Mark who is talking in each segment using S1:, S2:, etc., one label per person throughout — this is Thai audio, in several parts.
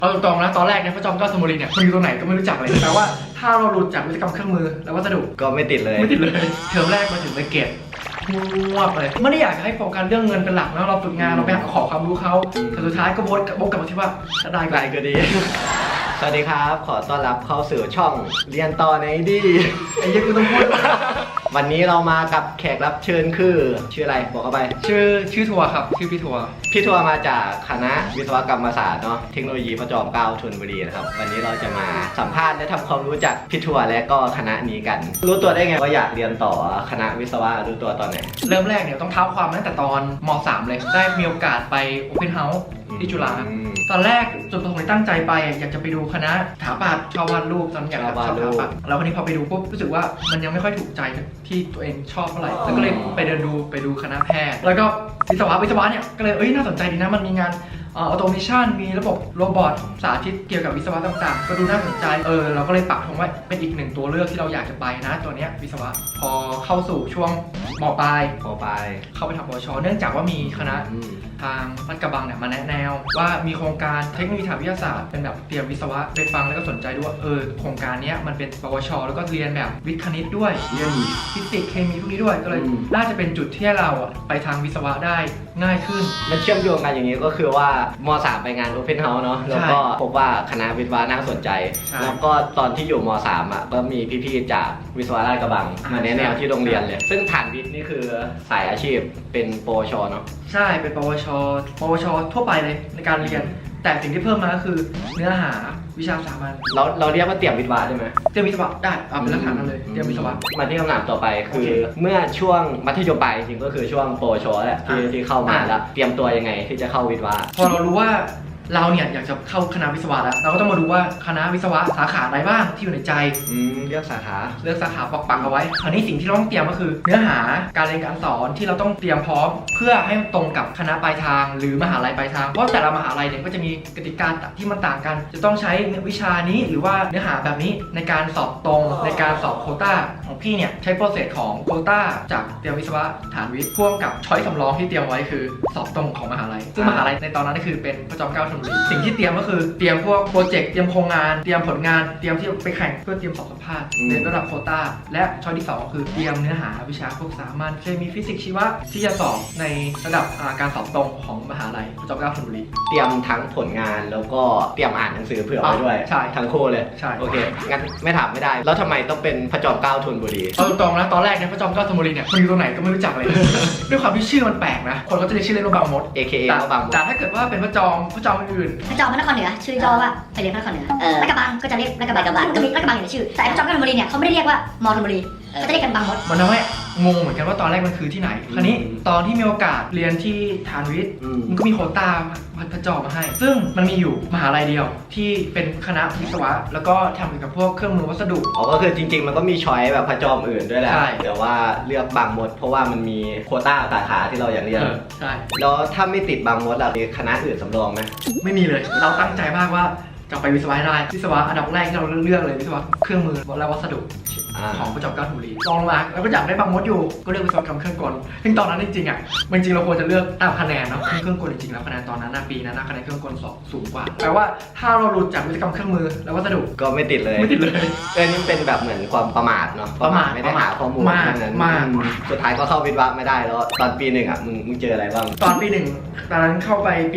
S1: เอาตรงๆนะตอนแรกเนี่ยพระจอมเกล้าธนบุรีเนี่ยมันอยู่ตรงไหนก็ไม่รู้จักเลยแต่ว่าถ้าเราหลุดจากวิศวกรรมเครื่องมือและวัสดุ
S2: ก็ไม่ติดเลย
S1: เทอมแรกมาถึงไปเก็บงวบเลยไม่ได้อยากจะให้โฟกัสเรื่องเงินเป็นหลักนะเราฝึกงานเราไปหาขอความรู้เขาแต่สุดท้ายก็วนกลับมาที่ว่าถ้าได้
S2: ก็ดีสวัสดีครับขอต้อนรับเข้าสู่ช่องเรียนต่อในดี
S1: ไอ้ยังกูต้องพูด
S2: วันนี้เรามากับแขกรับเชิญคือชื่ออะไรบอกเข้าไป
S1: ชื่อทัวร์ครับชื่อพี่ทัวร์
S2: มาจากคณะวิศวกรรมศาสตร์เนาะเทคโนโลยีพระจอมเกล้าธนบุรีนะครับวันนี้เราจะมาสัมภาษณ์และทำความรู้จักพี่ทัวร์และก็คณะนี้กันรู้ตัวได้ไงว่าอยากเรียนต่อคณะวิศวะรู้ตัวตอนไหน
S1: เริ่มแรกเนี่ยต้องเท้าความตั้งแต่ตอนม.3 เลยได้มีโอกาสไป Open House ที่จุฬาตอนแรกจุดประสงค์ที่ตั้งใจไปอยากจะไปดูคณะสถาปัตย์ชอบวาดรูปตอนอยากจะชอบสถาปัตย์แล้ววันนี้พอไปดูปุ๊บรู้สึกว่ามันยังไม่ค่อยถูกใจที่ตัวเองชอบเท่าไหร่แล้วก็เลยไปเดินดูไปดูคณะแพทย์แล้วก็วิศวะเนี่ยก็เลยน่าสนใจดีนะมันมีงานออโตเมชันมีระบบโรบอทสาธิตเกี่ยวกับวิศวะต่างๆก็ดูน่าสนใจเราก็เลยปักธงไว้เป็นอีกหนึ่งตัวเลือกที่เราอยากจะไปนะตัวเนี้ยวิศวะพอเข้าสู่ช่วงม.ปลายเข้าไปทำปวชเนื่องจากว่ามีคณะทางลาดกระบังเนี่ยมาแนะแนวว่ามีโครงการเทคโนโลยีทางวิทยาศาสตร์เป็นแบบเตรียมวิศวะไปฟังแล้วก็สนใจด้วยโครงการนี้มันเป็นปวชแล้วก็เรียนแบบวิทย์คณิตด้วยเรียนฟิสิกส์เคมีพวกนี้ด้วยก็เลยน่าจะเป็นจุดที่เราไปทางวิศวะได้ง่ายขึ้น
S2: มันเชื่อมโยงกันอย่างนี้ก็คือว่าม.3 ไปงาน Open House เนาะแล้วก็พบว่าคณะวิศวะน่าสนใจแล้วก็ตอนที่อยู่ม.3 ก็มีพี่ๆจากวิศวะราชกระบังมาแนะแนวที่โรงเรียนเลยซึ่งฐานวิทย์นี่คือสายอาชีพเป็นปวชเนาะ
S1: ใช่เป็นปวชทั่วไปเลยในการเรียนแต่สิ่งที่เพิ่มมาก็คือเนื้อหาวิชาสามัญ
S2: เราเรียกว่าเตรียมวิศวะได้ไหม
S1: เตรียมวิศวะได้เป็นลักษณะนั้นเลยเตรียมวิศวะ
S2: มาที่คำถามต่อไปคือเมื่อช่วงมัธยมปลายจริงๆก็คือช่วงปวชแหละที่เข้ามาแล้วเตรียมตัวยังไงที่จะเข้าวิศวะ
S1: พอเรารู้ว่าเราเนี่ยอยากจะเข้าคณะวิศวะแล้วเราก็ต้องมาดูว่าคณะวิศวะสาขาไหนบ้างที่อยู่ในใจ
S2: เลือกสาขา
S1: ปักเอาไว้คราวนี้สิ่งที่เราต้องเตรียมก็คือเนื้อหาการเรียนการสอนที่เราต้องเตรียมพร้อมเพื่อให้ตรงกับคณะปลายทางหรือมหาลัยปลายทางเพราะแต่ละมหาลัยเนี่ยก็จะมีกติกาที่มันต่างกันจะต้องใช้วิชานี้หรือว่าเนื้อหาแบบนี้ในการสอบตรงในการสอบโควต้าของพี่เนี่ยใช้โปรเซสของโควต้าจากเตรียมวิศวะฐานวิทย์พ่วงกับช้อยสำรองที่เตรียมไว้คือสอบตรงของมหาลัยซึ่งมหาลัยในตอนนั้นก็คือเป็นพระจอมเกล้าธนบุรีสิ่งที่เตรียมก็คือเตรียมพวกโปรเจกต์เตรียมโครงงานเตรียมผลงานเตรียมที่ไปแข่งเพื่อเตรียมสอบสัมภาษณ์ในระดับโควต้าและช้อยที่2คือเตรียมเนื้อหาวิชาพวกสามัญเคมีฟิสิกส์ชีวะที่จะสอบในระดับการสอบตรงของมหาลัยพระจอมเกล้าธนบุรี
S2: เตรียมทั้งผลงานแล้วก็เตรียมอ่านหนังสือเผื่อไว้ด้วย
S1: ใช่
S2: ทั้งคู่เลย
S1: ใช่
S2: โอเคงั้นไม่ถามไม่ได้แล้วทำไมต้องเป็นพระจอมเกล้าธนบุรี
S1: เอาตรงนะตอนแรกเนี่ยพระจอมเกล้าธนบุรีเนี่ยมันอยู่ตรงไหนก็ไม่รู้จักเลย ด้วยความที่ชื่อมันแปลกนะคนก็จะเรียกชื่อเล่นว่าบางมด
S2: AKA บางมด
S1: แต่ถ้าเกิดว่าเป็นพระจอมอื่น
S3: พระจอมพระนครเหนือชื่อย่อว่าไปเรียนพระนครเหนือลาดกระบังก็จะเรียกลาดกระบังก็มีลาดกระบังอยู่ในชื่อแต่พระจอมเกล้าธนบุรีเนี่ยเขาไม่ได้เรียกว่ามอธนบุรีเขาจะเรียกกันบางมด
S1: มันทำให้งงเหมือนกันว่าตอนแรกมันคือที่ไหนคราวนี้ตอนที่มีโอกาสเรียนที่ฐานวิทย์มันก็มีโควต้าพระจอมมาให้ซึ่งมันมีอยู่มหาลัยเดียวที่เป็นคณะวิศวะแล้วก็ทำเกี่ยวกับพวกเครื่องมือวัสดุ
S2: ก็คือจริงๆมันก็มีช้อยแบบพระจอมอื่นด้วยแหละแต่ว่าเลือกบางมดเพราะว่ามันมีโควต้าสาขาที่เราอยากเรียน
S1: ใช่
S2: แล้วถ้าไม่ติดบางมดเราเรียนคณะอื่นสำรองไหม
S1: ไม่มีเลยเราตั้งใจมากว่าจะไปวิศวะได้วิศวะอันดับแรกที่เราเลือกเลยวิศวะเครื่องมือและวัสดุของพระจอมเกล้าธนบุรีลองมาแล้วก็อยากได้บางมดอยู่ก็เลือกวิศวกรรมเครื่องกลซึ่งตอนนั้นจริงๆเราควรจะเลือกตามคะแนนเนาะเครื่องกลจริงๆแล้วคะแนนตอนนั้นปีนั้นคะแนนเครื่องกลสอบสูงกว่าแปลว่าถ้าเราหลุดจากวิศวกรรมเครื่องมือและวัสดุ
S2: ก็ไม่ติดเลยนี่เป็นแบบเหมือนความประมาทเนาะ
S1: ประมาท
S2: ไม่ได้หาข้อมูลนั้น
S1: มาก
S2: สุดท้ายก็เข้าวิศวะไม่ได้แล้วตอนปีหนึ่งมึงเจออะไรบ้าง
S1: ตอนปี1ตอนนั้นเข้าไปปี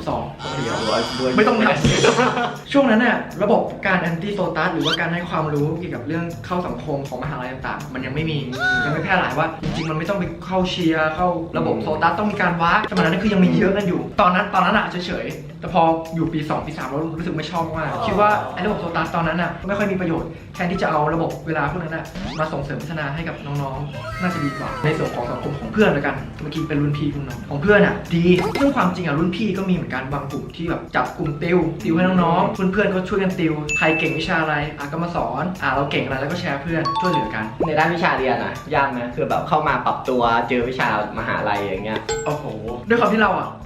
S1: 2012ไม่ต้องทำช่วงนั้นน่ะระบบการแอนตี้โซตัสหรือว่าการให้ความรู้เกี่ยวกับเรื่องเข้าสังคมของมหาลัยต่างๆมันยังไม่แพร่หลายว่าจริงๆมันไม่ต้องไปเข้าเชียร์เข้าระบบโซตัสต้องมีการวัดสมัยนั้นคือยังมีเยอะกันอยู่ตอนนั้นอ่ะเฉยๆแต่พออยู่ปี2ปี3เรารู้สึกไม่ชอบมากคิดว่าไอ้ระบบโซตัสตอนนั้นอ่ะไม่ค่อยมีประโยชน์แทนที่จะเอาระบบเวลาพวกนั้นอ่ะมาส่งเสริมพัฒนาให้กับน้องๆน่าจะดีกว่าในส่วนของสังคมของเพื่อนแล้วกันเมื่อกี้เป็นรุ่นพี่คุณน้องของเพื่อนอ่ะดีเรื่องความจริงอ่ะรุ่นพี่ก็มีเหมือนกันบางกลุ่มที่แบบจับกลุ่มติวให้น้องๆเพื่อนๆก็ช่วยกันติวใครเก่งวิชาอะไรก็มาสอนเราเก่งอะไรแล้วก็แชร์เพื่อนช่วยเหลือกัน
S2: ในด้านวิชาเรียนยากไหมคือแบบเข้ามาปรับตัวเจอวิชามหาลัยอย่างเงี้ย
S1: โอ้โหด้วยความที่เรา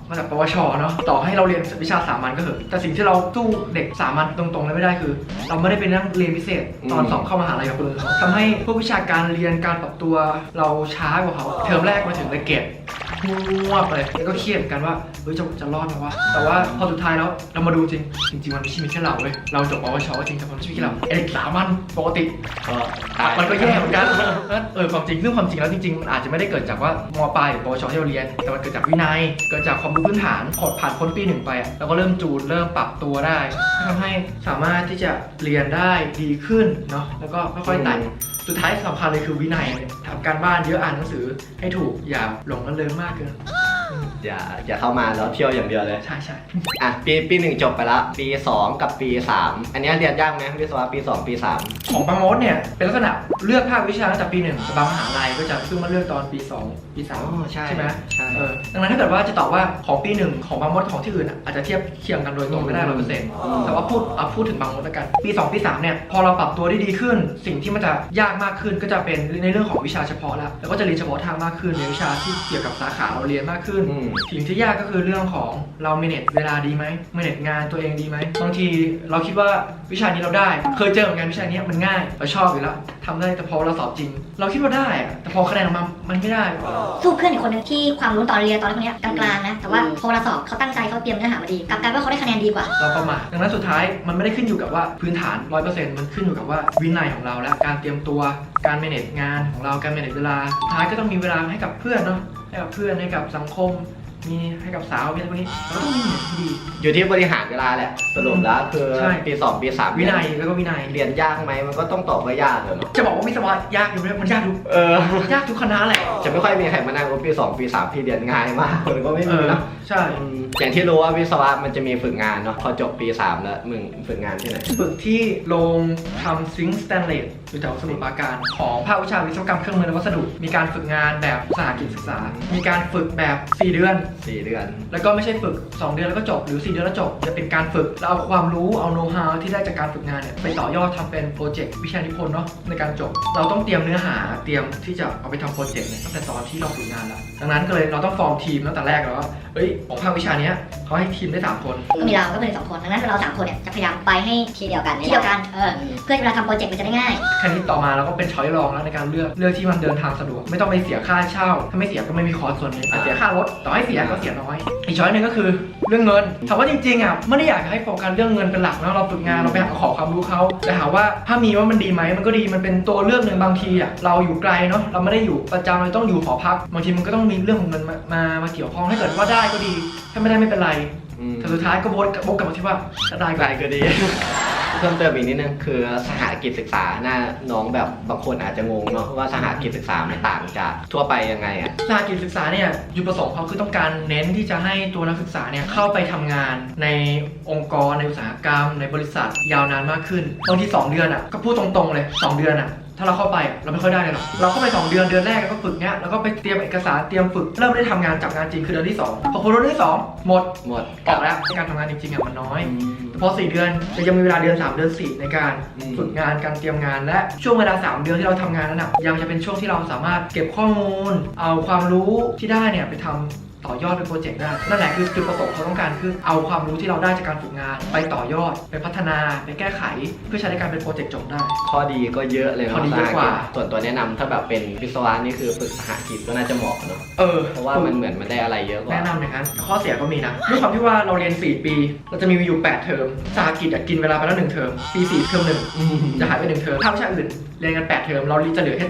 S1: มาจากปวชเนาะต่อให้เราเรียนวิชาสามัญก็เถอะแต่สิ่งที่เราสู้เด็กสามัญตรงๆเลยไม่ได้คือ เราไม่ได้ไปนั่งเรียนพิเศษตอนสอบเข้ามหาลัยกับคนอื่นเขาทำให้พวกวิชาการเรียนการปรับตัวเราช้ากว่าเขาเทอมแรกมาถึงเลยเกรดมั่วไปเลยแล้วก็เครียดกันว่าเฮ้ยจะรอดไหมวะแต่ว่าพอสุดท้ายแล้วเรามาดูจริงมันไม่ใช่มีแค่เราเว้ยเราจบปวชจริงแต่มันไม่ใช่มีแค่เราเด็กสามัญปกติมันก็แย่เหมือนกันความจริงแล้วจริงๆมันอาจจะไม่ได้เกิดจากว่ามปลายหรือปวชที่เราเรียนแต่มันเกิดจากวินัยเกิดจากความรู้พื้นฐานผ่านพ้นปี 1ไปแล้วก็เริ่มจูนเริ่มปรับตัวได้ทำให้สามารถที่จะเรียนได้ดีขึ้นเนาะแล้วก็ค่อยๆไต่สุดท้ายสำคัญเลยคือวินัยทำการบ้านเยอะอ่านหนังสือให้ถูกอย่าหลงระเริงมากเกิน
S2: อย่าเข้ามาแล้วเที่ยวอย่างเดียวเลย
S1: ใช่
S2: อ่ะปี1จบไปแล้วปี2กับปี3อันนี้เรียนยากไหมวิศวะปี2ปี3
S1: ของบางมดเนี่ยเป็นลักษณะเลือกภาควิชาตั้งแต่ปี1แต่บางมหาลัยก็จะเพิ่งมาเลือกตอนปี2ปี3ใช่ไหมดังนั้นถ้าเกิดว่าจะตอบว่าของปี1ของบางมดของที่อื่นอาจจะเทียบเคียงกันโดยตรงไม่ได้ 100% แต่ว่าพูดถึงบางมดแล้วกันปี2ปี3เนี่ยพอเราปรับตัวได้ดีขึ้นสิ่งที่มันจะยากมากขึ้นก็จะเป็นในเรื่องของวิชาเฉพาะแล้วก็จะเรียนเฉพาะทางมากขึ้นในวิชาที่เกี่ยวกับสาขาเราเรียนมากขึ้นสิ่งที่ยากก็คือเรื่องของเรา manage เวลาดีไหม manage งานตัวเองดีไหมบางทีเราคิดว่าวิชานี้เราได้เคยเจอเหมือนกันวิชานี้มันง่ายเราชอบอยู่แล้วทำได้แต่พอเราสอบจริงเราคิดว่าได้แต่พอคะแนนออกมามันไม่ได้
S3: สู้เพื่อนอีกคนนึงที่ความรู้ตอนเรียนตอนนี้กลางๆนะแต่ว่าพอเราสอบเขาตั้งใจเขาเตรียมเนื้อหามาดีกลับกลายว่าเขาได้คะแนนดีกว่า
S1: เราประมาทดังนั้นสุดท้ายมันไม่ได้ขึ้นอยู่กับว่าพื้นฐาน 100% มันขึ้นอยู่กับว่าวินัยของเราและการเตรียมตัวการ manage งานของเราการ manage เวลาท้ายก็ต้องมีเวลาให้กับเพื่อนเนาะให้กับเพื่อนให้กับสังคมมีให้กับสาวอะไรพวกนี้เราต้องมีที่ดี
S2: อยู่ที่บริหารเวลาแหละสรุปแล้วคือปี2ปี3
S1: วินัยแล้วก็วินัย
S2: เรียนยากไหมมันก็ต้องตอบว่ายากเลย
S1: จะบอกว่าวิศวะยากอยู่ไหมมันยากทุกยากทุกคณะแหละ
S2: จะไม่ค่อยมีใครมานั่งว่าปี2ปี3พี่เรียนง่ายมากคนก็ไม่มีนะ
S1: ใช่
S2: อย่างที่รู้ว่าวิศวะมันจะมีฝึกงานเนาะพอจบปี3แล้วมึงฝึกงานที่ไหน
S1: ฝึกที่โรงทำซิงค์สแตนเลสอยู่แถวสมุทรปราการของภาควิชาวิศวกรรมเครื่องมือและวัสดุมีการฝึกงานแบบสหกิจศึกษามีการฝึกแบบ4 เดือนแล้วก็ไม่ใช่ฝึก2 เดือนแล้วก็จบหรือ4 เดือนแล้วจบจะเป็นการฝึกแล้วเอาความรู้เอาโน้ตฮาวที่ได้จากการฝึกงานเนี่ยไปต่อยอดทำเป็นโปรเจกต์วิชานิพนธ์เนาะในการจบเราต้องเตรียมเนื้อหาเตรียมที่จะเอาไปทำโปรเจกต์เนี่ยตั้งแต่ตอนที่เราฝึกงานแล้วดังนั้นก็เลยเราต้องฟอร์มทีมตั้งแต่แรกแล้วว่าของภาควิชานี้เขาให้ทีมได้3 คน
S3: ก็มีเราก็เป็น2 คนดังนั้นเรา3 คนเนี่ยจะพยายามไปให้ที่เดียวกันเพื่อเวลาทำโปรเจกต์มันจะได้ง่าย
S1: แค่นี้ต่อมาเราก็เป็นช้อยรองแล้วในการเลือกที่มันเดินทางสะดวกไม่ต้องไปเสียค่าเช่าถ้าไม่เสียก็ไม่มีคอร์สส่วนนี้เสียค่ารถต่อให้เสียก็เสียน้อยอีกช้อยนึงก็คือเรื่องเงินถามว่าจริงๆไม่ได้อยากให้โฟกัสเรื่องเงินเป็นหลักนะเราฝึกงานเราไปหาขอความรู้เขาแต่ถามว่าถ้ามีว่ามันดีไหมมันก็ดีมันเป็นตัวเลือกหนึ่งบางทีเราอยู่ไกลเนาะเราไม่ได้อยู่ประจำเราต้องอยู่หอพักบางทีมันก็ต้องมีเรื่องของเงินมาเกี่ยวข้องถ้าเกิดว่าได้ก็ดีถ้าไม่ได้ไม่เป็นไรแต่สุดท้ายก็บกกลับมาที่ว่าถ้าได้
S2: ก็ดีเพิ่มเติมอีกนิดนึงคือสหกิจศึกษาน้องแบบบางคนอาจจะงงเนาะว่าสหกิจศึกษามันต่างจากทั่วไปยังไง
S1: สหกิจศึกษาเนี่ยจุดประสงค์เขาคือต้องการเน้นที่จะให้ตัวนักศึกษาเนี่ยเข้าไปทำงานในองค์กรในอุตสาหกรรมในบริษัทยาวนานมากขึ้นบางที2 เดือนก็พูดตรงๆเลย2 เดือนถ้าเราเข้าไปเราไม่ค่อยได้เลยหรอกเราเข้าไป2 เดือนแรกก็ฝึกเนี้ยแล้วก็ไปเตรียมเอกสารเตรียมฝึกเริ่มได้ทำงานจับงานจริงคือเดือนที่2พอเดือนที่2หมดออกแล้วการทำงานจริงๆมันน้อยพอ4 เดือนจะยังมีเวลาเดือน3 เดือน 4ในการฝึกงานการเตรียมงานและช่วงเวลา3 เดือนที่เราทำงานนั้นยังจะเป็นช่วงที่เราสามารถเก็บข้อมูลเอาความรู้ที่ได้เนี่ยไปทำต่อยอดเป็นโปรเจกต์ได้นั่นแหละคือจุดประสงค์เขาต้องการคือเอาความรู้ที่เราได้จากการฝึกงานไปต่อยอดไปพัฒนาไปแก้ไขเพื่อใช้ในการเป็นโปรเจกต์จบได้
S2: ข้อดีก็เยอะเลย
S1: ข้อดีเยอะกว่า
S2: ส่วนตัวแนะนำถ้าแบบเป็นวิศวะนี่คือฝึกสหกิจก็น่าจะเหมาะเนาะเพราะว่ามันเหมือนมันได้อะไรเยอะกว่า
S1: แนะนำอย่างนั้นข้อเสียก็มีนะด้วยความที่ว่าเราเรียน4 ปีเราจะมีอยู่8 เทอมสหกิจกินเวลาไปแล้ว1 เทอมปี4 เทอม 1จะหายไป1 เทอมภาควิชาอื่นเรียนกัน8 เทอมเราจะเหลือแค่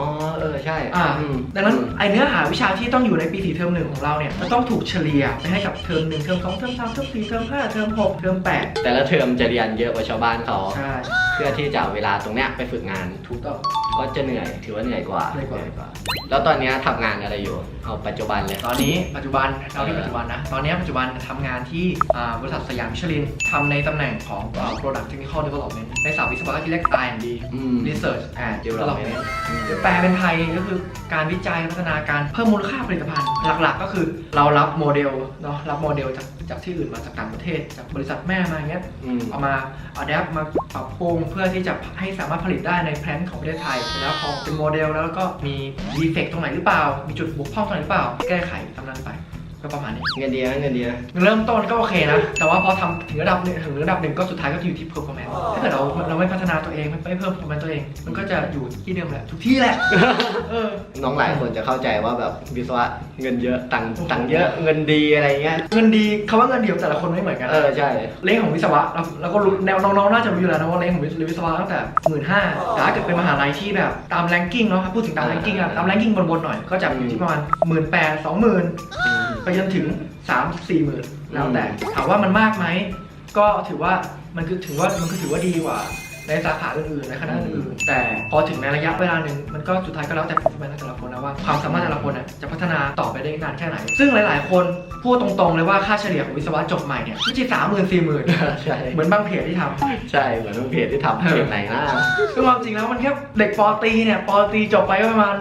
S1: 7
S2: ใช่
S1: ดังนั้นไอเนื้อหาวิชาที่ต้องอยู่ในปี4 เทอม 1ของเราเนี่ยจะต้องถูกเฉลี่ยไปให้กับเทอม1เทอม2เทอม3เทอม4เทอม5เทอม6เทอม8
S2: แต่ละเทอมจะเรียนเยอะกว่าชาวบ้านเขา
S1: ใช่
S2: เพื่อที่จะเอาเวลาตรงเนี้ยไปฝึกงาน
S1: ถูกต้อง
S2: ก็จะเหนื่อยถือว่าเหนื่อยกว่าแล้วตอนนี้ทำงานอะไรอยู่เอาปัจจุบันเลย
S1: ตอนนี้ปัจจุบันเราที่ปัจจุบันนะตอนนี้ปัจจุบันทำงานที่บริษัทสยามมิชลินทำในตำแหน่งของ Product Technical Development ในสายวิศวะที่เรียก R&D Research and Development แปลเป็นไทยก็คือการวิจัยพัฒนาการเพิ่มมูลค่าผลิตภัณฑ์หลักๆก็คือเรารับโมเดลเนาะรับโมเดลจากที่อื่นมาจากต่างประเทศจากบริษัทแม่มาอย่างเงี้ยเอามาadapt มาปรับปรุงเพื่อที่จะให้สามารถผลิตได้ในแพลนของประเทศไทยแล้วพอเป็นโมเดลแล้วก็มีดีเฟกต์ตรงไหนหรือเปล่ามีจุดบกพร่องตรงไหนหรือเปล่าแก้ไขตามนั้นไปก็ก็ประมาณนี้
S2: เงินดีนะเงินดีนะ
S1: เริ่มต้นก็โอเคนะแต่ว่าพอทำถึงระดับหนึ่งก็สุดท้ายก็อยู่ที่ performance ถ้าเกิดเราไม่พัฒนาตัวเองไม่เพิ่ม performance ตัวเองมันก็จะอยู่ที่เดิมแหละทุกที่แหละ
S2: น้องหลายคนจะเข้าใจว่าแบบวิศวะเงินเยอะตังค์เยอะเงินดีอะไรเงี้ย
S1: เงินดีคำว่าเงินเดียวแต่ละคนไม่เหมือนกัน
S2: ใช่
S1: เลขของวิศวะเราก็รู้แนวน้องๆน่าจะรู้อยู่แล้วนะว่าเลขของวิศวะตั้งแต่15,000แต่ถ้าเกิดเป็นมหาลัยที่แบบตามแรงกิ้งเนาะพูดถึงตามแรงกิ้งอะตามแรงกิ้งบนๆหน่อยก็จะอยู่ที่ประมาณ18,000 20,000ไปจนถึง3-4,000แล้วแต่ถามว่ามันมากไหมก็ถือว่ามันคือถือว่าดีกว่าในสาขาอื่นๆในคณะอื่นๆแต่พอถึงในระยะเวลาหนึ่งมันก็สุดท้ายก็แล้วแต่ performance แต่ละคนนะว่าความสามารถแต่ละคนจะพัฒนาต่อไปได้นานแค่ไหนซึ่งหลายๆคนพูดตรงๆเลยว่าค่าเฉลี่ยของวิศวะจบใหม่เนี่ยไม่ใช่30,000-40,000
S2: ใช่
S1: เหมือนบางเพจที่ทำ
S2: ใช่เหมือนทุกเพจที่ทำเพจไหนนะ
S1: ซึ่งความจริงแล้วมันแค่เด็กปอตรีเนี่ยปอตรีจบไปก็ประมาณ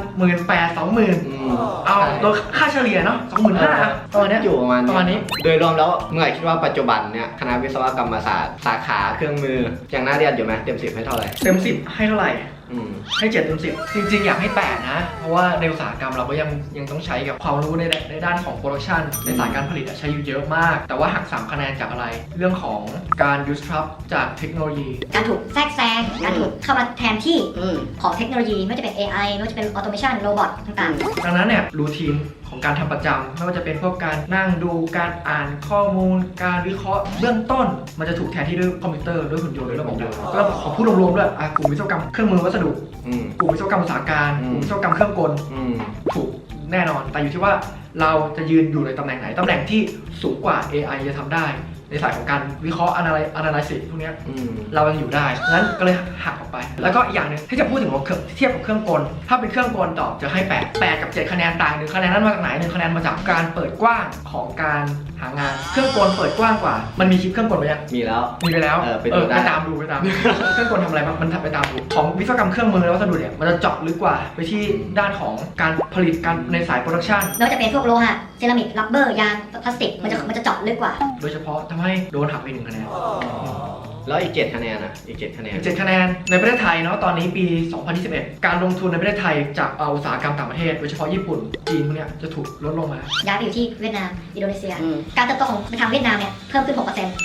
S1: 18,000-20,000เอาโดยค่าเฉลี่ยเนาะ25,000ประมาณเนี้ย
S2: อยู่ประมาณ
S1: ประมาณนี้
S2: โดยรวมแล้วเมื่อไหร่คิดว่าปัจจุบันเนี่ยคณะวิศวกรรมศาสตร์สาขาเครื่องมือยังน่าเรียนอยู่ไหมเต็ม10ให้เท่าไหร่
S1: เต็ม10ให้เท่าไหร่ ให้7เต็ม10จริงๆอยากให้8นะเพราะว่าในอุตสาหกรรมเราก็ยังต้องใช้กับความรู้ในด้านของโปรดักชันในสายการผลิตใช้อยู่เยอะมาก แต่ว่าหัก3คะแนนจากอะไรเรื่องของการ disrupt จากเทคโนโลยี
S3: การถูกแทรกแซงการถูกเข้ามาแทนที่ของเทคโนโลยีไม่ว่าจะเป็น AI ไม่ว่าจะเป็น automation โรบอทต่างๆ
S1: ดังนั้นเนี่ยรูทีนของการทำประจำไม่ว่าจะเป็นพวกการนั่งดูการอ่านข้อมูลการวิเคราะห์เบื้องต้นมันจะถูกแทนที่ด้วยคอมพิวเตอร์ด้วยหุ่นยนต์ด้วยระบบก็ขอพูดรวมๆด้วยกลุ่มวิศวกรรมเครื่องมือวัสดุกลุ่มวิศวกรรมอุตสาหการกลุ่มวิศวกรรมเครื่องกลถูกแน่นอนแต่อยู่ที่ว่าเราจะยืนอยู่ในตำแหน่งไหนตำแหน่งที่สูงกว่า AI จะทำได้ในสายของการวิเคราะห์ analysis พวกนี้เรายังอยู่ได้งั้นก็เลยหักออกไปแล้วก็อีกอย่างหนึ่งที่จะพูดถึงว่าเทียบกับเครื่องกลถ้าเป็นเครื่องกลตอบจะให้8กับ7คะแนนต่าง1คะแนนนั้นมาจากไหน1คะแนนมาจากการเปิดกว้างของการหางานเครื่องกลเปิดกว้างกว่ามันมีคลิปเครื่องกลไปยัง
S2: มีแล้ว
S1: ไปตามดูเครื่องกลทำอะไรบ้างมันไปตามดูของวิศวกรรมเครื่องมือและวัสดุเนี่ยมันจะเจาะลึกกว่าไปที่ด้านของการผลิตการในสายโปรดักชัน
S3: ไม่ว่าจะเป็นพวกโลหะเซรามิกรับเบอร์ยางพลาสติกมันจะเจาะลึกกว่า
S1: โดยเฉพาะทำให้โดนหักไป1คะแนน
S2: แล้วอีก7คะแนนอ่ะอีก7คะแนน
S1: 7คะแนนในประเทศไทยเนาะตอนนี้ปี 2021 การลงทุนในประเทศไทยจากอุตสาหกรรมต่างประเทศโดยเฉพาะญี่ปุ่นจีนพวกเนี้ยจะถูกลดลงมา
S3: ย้ายไปอยู่ที่เวียดนามอินโดนีเซียการเติบโตของทางเวียดนามเนี่ยเพิ่มขึ้น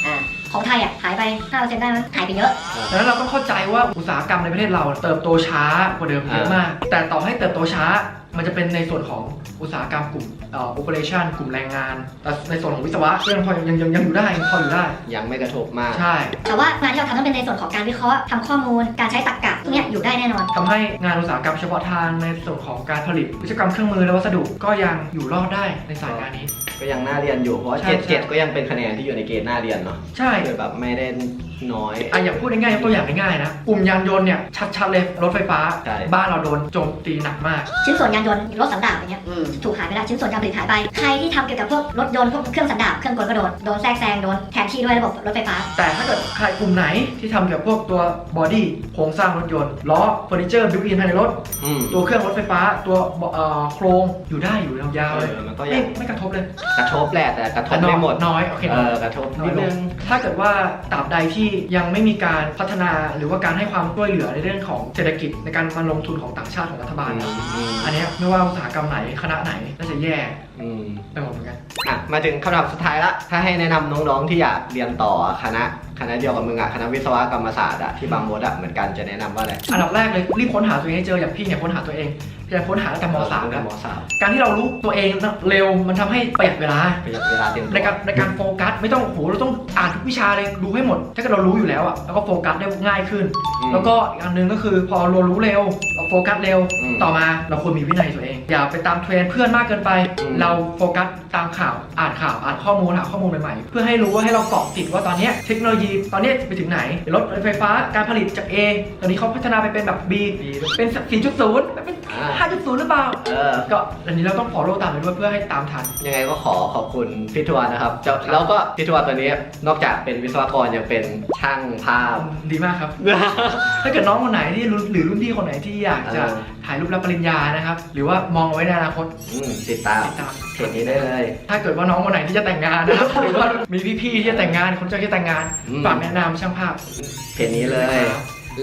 S3: 6%ของไทยหายไป 5% ได้มั้ยหายไปเยอะ
S1: ดังนั้นเราต้องเข้าใจว่าอุตสาหกรรมในประเทศเราเติบโตช้ากว่าเดิมเยอะมากแต่ต่อให้เติบโตช้ามันจะเป็นในส่วนของอุตสาหกรรมกลุ่มoperation กลุ่มแรงงานแต่ในส่วนของวิศวะยังพอยังอยู่ได้พออยู่ได้
S2: ยังไม่กระทบมาก
S1: ใช่
S3: แต่ว่างานที่เราทำต้องเป็นในส่วนของการวิเคราะห์ทำข้อมูลการใช้ตรรกะพวกนี้อยู่ได้แน่นอน
S1: ทำให้งานอุตสาหกรรมเฉพาะทางในส่วนของการผลิตวิศวกรรมเครื่องมือและวัสดุก็ยังอยู่รอดได้ในสายงานนี้
S2: ก็ยังน่าเรียนอยู่เพราะ7ก็ยังเป็นคะแนนที่อยู่ในเกณฑ์น่าเรียนเนาะ
S1: ใช่
S2: แบบไม่ได้น้อย
S1: อย่างพูดง่ายๆตัวอย่างง่ายๆนะกลุ่มยานยนต์เนี่ยชัดๆเลยรถไฟฟ้าบ้านเราโดนโจมตีหนักมาก
S3: ชิ้นส่วนยานยนต์รถสันดาปอย่างเงี้ยถูกหายไปแล้วชิ้นส่วนการผลิตหายไปใครที่ทำเกี่ยวกับพวกรถยนต์พวกเครื่องสันดาปเครื่องกลก็โดนแทรกแซงโดนแทนที่ด้วยระบบรถไฟฟ้า
S1: แต่ถ้าเกิดใครกลุ่มไหนที่ทำเกี่ยวกับพวกตัวบอดี้โครงสร้างรถยนต์ล้อเฟอร์นิเจอร์บิวอินภายในรถตัวเครื่องรถไฟฟ้าตัวโครงอยู่ได้อยู่ยาวๆเลย
S2: มันก็
S1: ไม่กระทบเลย
S2: กระทบแหละแต่กระทบไม่หมด
S1: น้อยโอเค
S2: กระทบ
S1: นิดนึงถ้าเกิดว่าตราบใดที่ยังไม่มีการพัฒนาหรือว่าการให้ความช่วยเหลือในเรื่องของเศรษฐกิจในการมาลงทุนของต่างชาติของรัฐบาลอันนี้ไม่ว่าอุตสาหกรรมไหนคณะไหนก็จะแย่ไปหมดเหมือนกัน
S2: มาถึงคำถามสุดท้ายละถ้าให้แนะนำน้องๆที่อยากเรียนต่อคณะเดียวกับมึงคณะวิศวกรรมศาสตร์ที่บางมดเหมือนกันจะแนะนำว่าอะไร
S1: อันดับแรกเลยรีบค้นหาตัวเองให้เจออย่างพี่เนี่ยค้นหาตัวเองพยายามค้นหาตั้งแต่ม.3 นะการที่เรารู้ตัวเองเร็วมันทำให้ประหยัดเวลา
S2: เต็ม
S1: ในการโฟกัสไม่ต้องเราต้องอ่านทุกวิชาเลยดูให้หมดถ้าเกิดเรารู้อยู่แล้วแล้วก็โฟกัสได้ง่ายขึ้นแล้วก็อีกอันนึงก็คือพอเรารู้เร็วเราโฟกัสเร็วต่อมาเราควรมีวินัยตัวเองอย่าไปตามเทรนด์เพื่อนมากเกินไปเราโฟกัสตามข่าวอ่านข้อมูลหาข้อมูลใหม่ๆเพื่อให้รู้ว่าให้เราเกาะติดว่าตอนนี้เทคโนโลยีตอนนี้ไปถึงไหนรถไฟฟ้าการผลิตจาก A ตอนนี้เขาพัฒนาไปเป็นแบบ B เป็น 4.0 เป็น 5.0 หรือเปล่าก็อันนี้เราต้อง follow ตามไปด้วยเพื่อให้ตามทัน
S2: ยังไงก็ขอบคุณพี่ทวนนะครับแล้วก็พี่ทวนตัวนี้นอกจากเป็นวิศวกรยังเป็นช่างภาพ
S1: ดีมากครับ ถ้าเกิดน้องคนไหนที่หรือรุ่นพี่คนไหนที่อยากจะถ่ายรูปรับปริญญานะครับหรือว่ามองเอาไว้ในอนาคต
S2: ติดตามเพจนี้ได้เลย
S1: ถ้าเกิดว่าน้องคนไหนที่จะแต่งงานนะครับหรือว่ามีพี่ๆที่จะแต่งงานคนเจ้าที่แต่งงานฝากแนะนำช่างภาพ
S2: เพจนี้เลยและ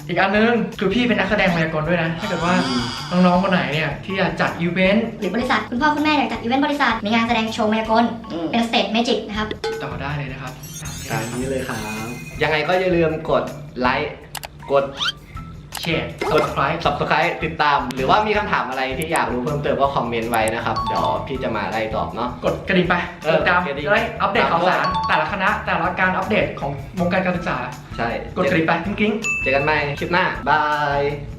S1: อีกอันนึงคือพี่เป็นนักแสดงมายากลด้วยนะถ้าเกิดว่าน้องๆคนไหนเนี่ยที่อยากจัดอีเวนต์
S3: หรือบริษัทคุณพ่อคุณแม่อยากจัดอีเวนต์บริษัทมีงานแสดงโชว์มายากลเป็นสเตจเมจิกนะครับ
S1: ต่อได้เลยนะครับ
S2: ตามนี้เลยครับยังไงก็อย่าลืมกดไลค์กด
S1: แชร์
S2: กด subscribe ติดตาม หรือว่ามีคำถามอะไรที่อยากรู้เพิ่มเติมก็คอมเมนต์ไว้นะครับเดี๋ยวพี่จะมาไล่ตอบเนาะ
S1: กดกระดิ่งไป
S2: เออก
S1: ดตาม
S2: กระดิ่ง
S1: จะได้อัปเดตข่าวสารแต่ละคณะแต่ละการอัปเดตของวงการการศึกษา
S2: ใช่
S1: กดกระดิ่งไปกริ๊ง
S2: เจอกันใหม่คลิปหน้าบาย